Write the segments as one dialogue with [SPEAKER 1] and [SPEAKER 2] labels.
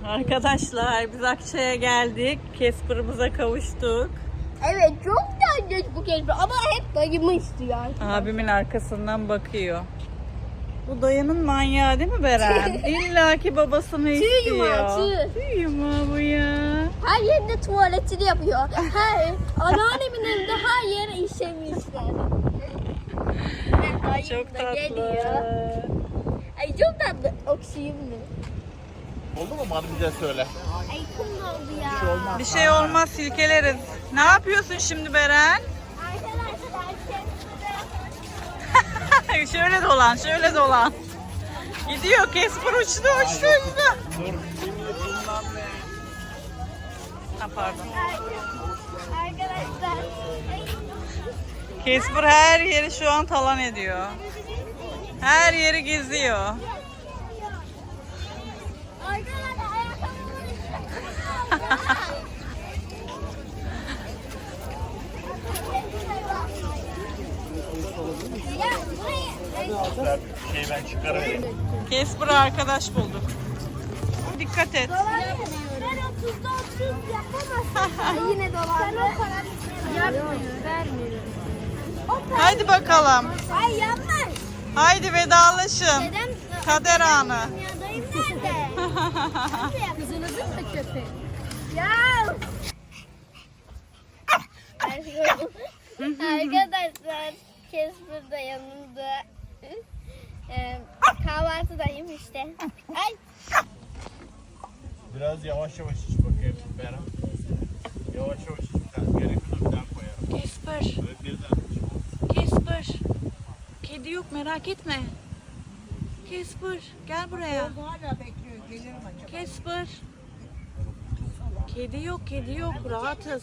[SPEAKER 1] Arkadaşlar biz Akçay'a geldik. Casper'ımıza kavuştuk.
[SPEAKER 2] Evet çok güzel bu Casper ama hep dayımı istiyor.
[SPEAKER 1] Abimin arkasından bakıyor. Bu dayının manyağı değil mi Beren? İlla ki babasını istiyor. Tüy yumağı bu ya.
[SPEAKER 2] Her yerinde tuvaletini yapıyor. Anneannemin evinde her yere işemişler.
[SPEAKER 1] Çok tatlı.
[SPEAKER 2] Geliyor. Ay çok tatlı. Okşayayım mı?
[SPEAKER 3] Oldu mu? Bana bize söyle.
[SPEAKER 2] Ay kum oldu ya.
[SPEAKER 3] Bir şey olmaz.
[SPEAKER 1] Bir şey olmaz, silkeleriz. Ne yapıyorsun şimdi Beren?
[SPEAKER 2] Arkadaşlar
[SPEAKER 1] Şöyle dolan, şöyle dolan. Gidiyor, Casper uçtu.
[SPEAKER 3] Dur.
[SPEAKER 1] Ha, pardon.
[SPEAKER 2] Arkadaşlar.
[SPEAKER 1] Casper her yeri şu an talan ediyor. Her yeri geziyor.
[SPEAKER 2] Arkadaşlar ayakkabımın
[SPEAKER 3] Güzel bir şey ben çıkarayım.
[SPEAKER 1] Casper'a arkadaş bulduk. Dikkat et.
[SPEAKER 2] Ben 30'da 30 yapamazsın. Yine dolandı. Yapmıyor. Vermiyorum.
[SPEAKER 1] Haydi bakalım.
[SPEAKER 2] Ay yanlış.
[SPEAKER 1] Haydi vedalaşın.
[SPEAKER 2] Neden?
[SPEAKER 1] Kader anı.
[SPEAKER 2] Ya dayım nerede? Kızınızın mı köpeği? Ya. Arkadaşlar Casper da yanımda. Kahvaltıdayım işte. Ay.
[SPEAKER 3] Biraz yavaş yavaş iç bakayım Beren. Yavaş yavaş iç. Gerekiyorsa bir daha koyarım.
[SPEAKER 1] Casper,
[SPEAKER 3] Böyle birden iç.
[SPEAKER 1] Casper. Kedi yok, merak etme. Casper, gel buraya.
[SPEAKER 4] Hala bekliyor. Gelirim acaba.
[SPEAKER 1] Casper. Kedi yok, rahatız.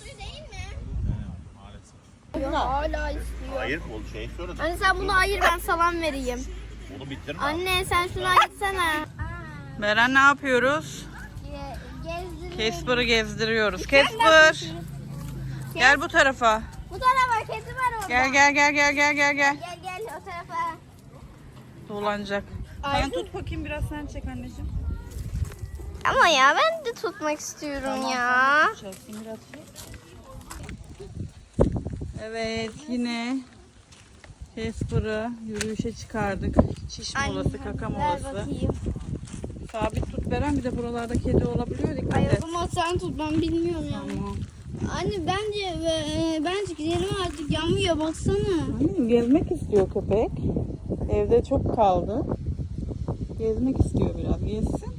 [SPEAKER 3] Maalesef.
[SPEAKER 2] Hala istiyor.
[SPEAKER 3] Hayır o şey söyledim.
[SPEAKER 2] Anne sen bunu ayır ben salam vereyim.
[SPEAKER 3] Onu bitirme.
[SPEAKER 2] Anne sen şunu ayırsana.
[SPEAKER 1] Beren ne yapıyoruz?
[SPEAKER 2] Gezdirelim.
[SPEAKER 1] Casper'ı gezdiriyoruz. Casper. Gel bu tarafa.
[SPEAKER 2] Bu tarafa kedi var orada.
[SPEAKER 1] Gel.
[SPEAKER 2] Gel o tarafa.
[SPEAKER 1] Dolanacak. Sen tut bakayım, biraz sen çek anneciğim.
[SPEAKER 2] Ama ya ben de tutmak istiyorum ya.
[SPEAKER 1] Çek, indir atayım. Evet, yine Casper'ı yürüyüşe çıkardık. Çiş molası, kaka
[SPEAKER 2] Ver
[SPEAKER 1] molası.
[SPEAKER 2] bakayım.
[SPEAKER 1] Sabit tut Beren, bir de buralarda kedi olabiliyor, dikkat
[SPEAKER 2] Ay
[SPEAKER 1] et.
[SPEAKER 2] o zaman sen tut ben bilmiyorum ya.
[SPEAKER 1] Tamam.
[SPEAKER 2] Anne bence gidelim artık yanmıyor baksana.
[SPEAKER 1] Annem gezmek istiyor köpek. Evde çok kaldı. Gezmek istiyor biraz. Gezsin.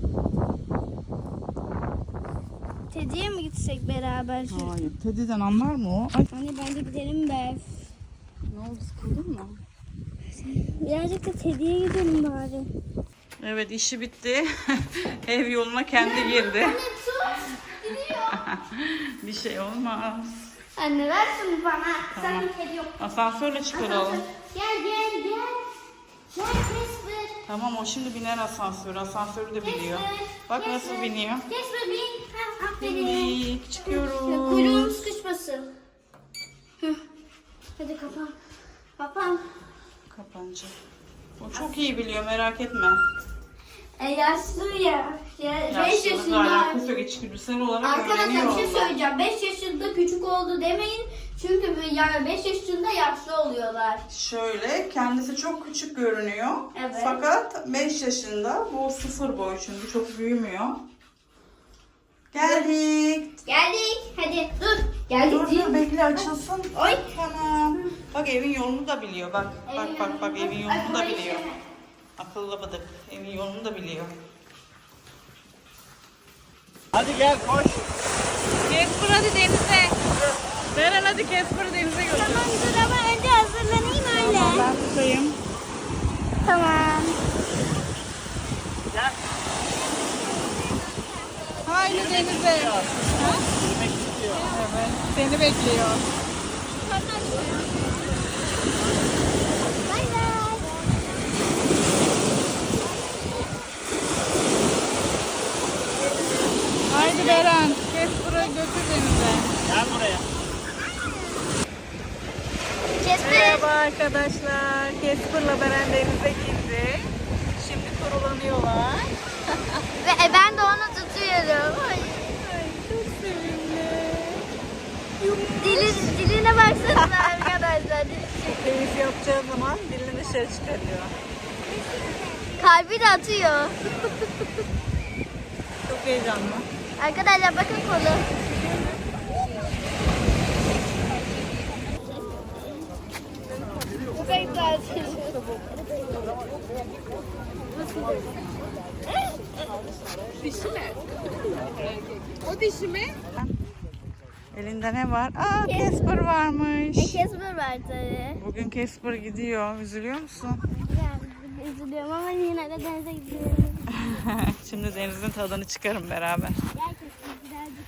[SPEAKER 2] Tediye mi gitsek beraber?
[SPEAKER 1] Hayır. Teddy'den anlar mı o? Ay,
[SPEAKER 2] Anne bence gidelim be.
[SPEAKER 1] ne oldu, sıkıldın mı?
[SPEAKER 2] Birazcık da Tediye gidelim bari.
[SPEAKER 1] Evet, işi bitti. Ev yoluna kendi girdi. Bir şey olmaz.
[SPEAKER 2] Anne ver şunu bana. Sen bir kedi yok.
[SPEAKER 1] Asansörle çıkaralım.
[SPEAKER 2] Gel. Gel Casper.
[SPEAKER 1] Tamam, o şimdi biner asansöre. Asansörü de biliyor. Bak nasıl biniyor.
[SPEAKER 2] Casper bin. Aferin.
[SPEAKER 1] Bindik, çıkıyoruz.
[SPEAKER 2] Kuyruğum sıkışmasın. Hadi kapan. Kapan.
[SPEAKER 1] Kapanacak. O çok iyi biliyor, merak etme.
[SPEAKER 2] Yaşlı ya. 5
[SPEAKER 1] Yaşlılıkla
[SPEAKER 2] yaşında.
[SPEAKER 1] alakası yok. İçgüdüsel olarak
[SPEAKER 2] Arkadaşlar
[SPEAKER 1] öğreniyor
[SPEAKER 2] bir şey
[SPEAKER 1] onlar.
[SPEAKER 2] söyleyeceğim. 5 yaşında küçük oldu demeyin. Çünkü yani 5 yaşında yaşlı oluyorlar.
[SPEAKER 1] Şöyle, kendisi çok küçük görünüyor.
[SPEAKER 2] Evet.
[SPEAKER 1] Fakat 5 yaşında, bu 0 boy çünkü çok büyümüyor. Geldik.
[SPEAKER 2] Geldik. Hadi dur. Geldik.
[SPEAKER 1] Dur bekle, açılsın.
[SPEAKER 2] Oy.
[SPEAKER 1] Tamam. Bak evin yolunu da biliyor. Bak evin yolunu da
[SPEAKER 2] Ay,
[SPEAKER 1] biliyor. Akıllı bıdık. Evin yolunu da biliyor.
[SPEAKER 3] Hadi gel koş.
[SPEAKER 1] Casper hadi denize. Beren hadi Casper'ı denize götür.
[SPEAKER 2] Tamam dur ama önce hazırlanayım öyle.
[SPEAKER 1] Ben tutayım.
[SPEAKER 2] Tamam.
[SPEAKER 3] Gel.
[SPEAKER 1] Haydi denize.
[SPEAKER 3] Yürümek istiyor.
[SPEAKER 1] Evet, seni bekliyor.
[SPEAKER 2] Bay bay.
[SPEAKER 1] Haydi Beren, Casper'ı götür denize.
[SPEAKER 3] Gel buraya.
[SPEAKER 2] Casper.
[SPEAKER 1] Merhaba arkadaşlar. Casper'la Beren denize girdi. Şimdi kurulanıyorlar.
[SPEAKER 2] Ve ben de onu tutuyorum.
[SPEAKER 1] Konuşacağı zaman dilini dışarı çıkarıyor.
[SPEAKER 2] Kalbi de atıyor.
[SPEAKER 1] Çok heyecanlı.
[SPEAKER 2] Arkadaşlar bakın kolu.
[SPEAKER 4] Dişi mi? O dişi mi?
[SPEAKER 1] Elinde ne var? Aa, Casper varmış.
[SPEAKER 2] Casper var tabii.
[SPEAKER 1] Bugün Casper gidiyor. Üzülüyor musun?
[SPEAKER 2] Yani üzülüyorum ama yine de denize gidiyorum.
[SPEAKER 1] Şimdi denizin tadını çıkarın beraber.
[SPEAKER 2] Gerçekten birazcık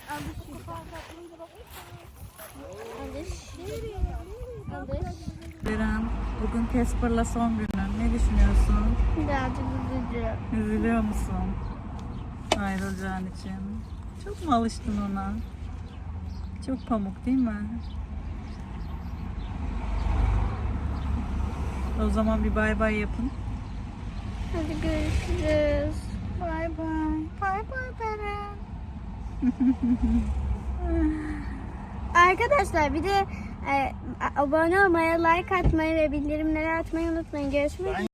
[SPEAKER 2] alış.
[SPEAKER 1] Beren, bugün Casper'la son günün. Ne düşünüyorsun?
[SPEAKER 2] Birazcık üzücü.
[SPEAKER 1] Üzülüyor musun? Ayrılacağın için. Çok mu alıştın ona? Çok pamuk değil mi? O zaman bir bay bay yapın.
[SPEAKER 2] Hadi görüşürüz.
[SPEAKER 1] Bay bay. Bay bay Beren.
[SPEAKER 2] Arkadaşlar bir de abone olmayı, like atmayı ve bildirimleri açmayı unutmayın. Görüşmek üzere.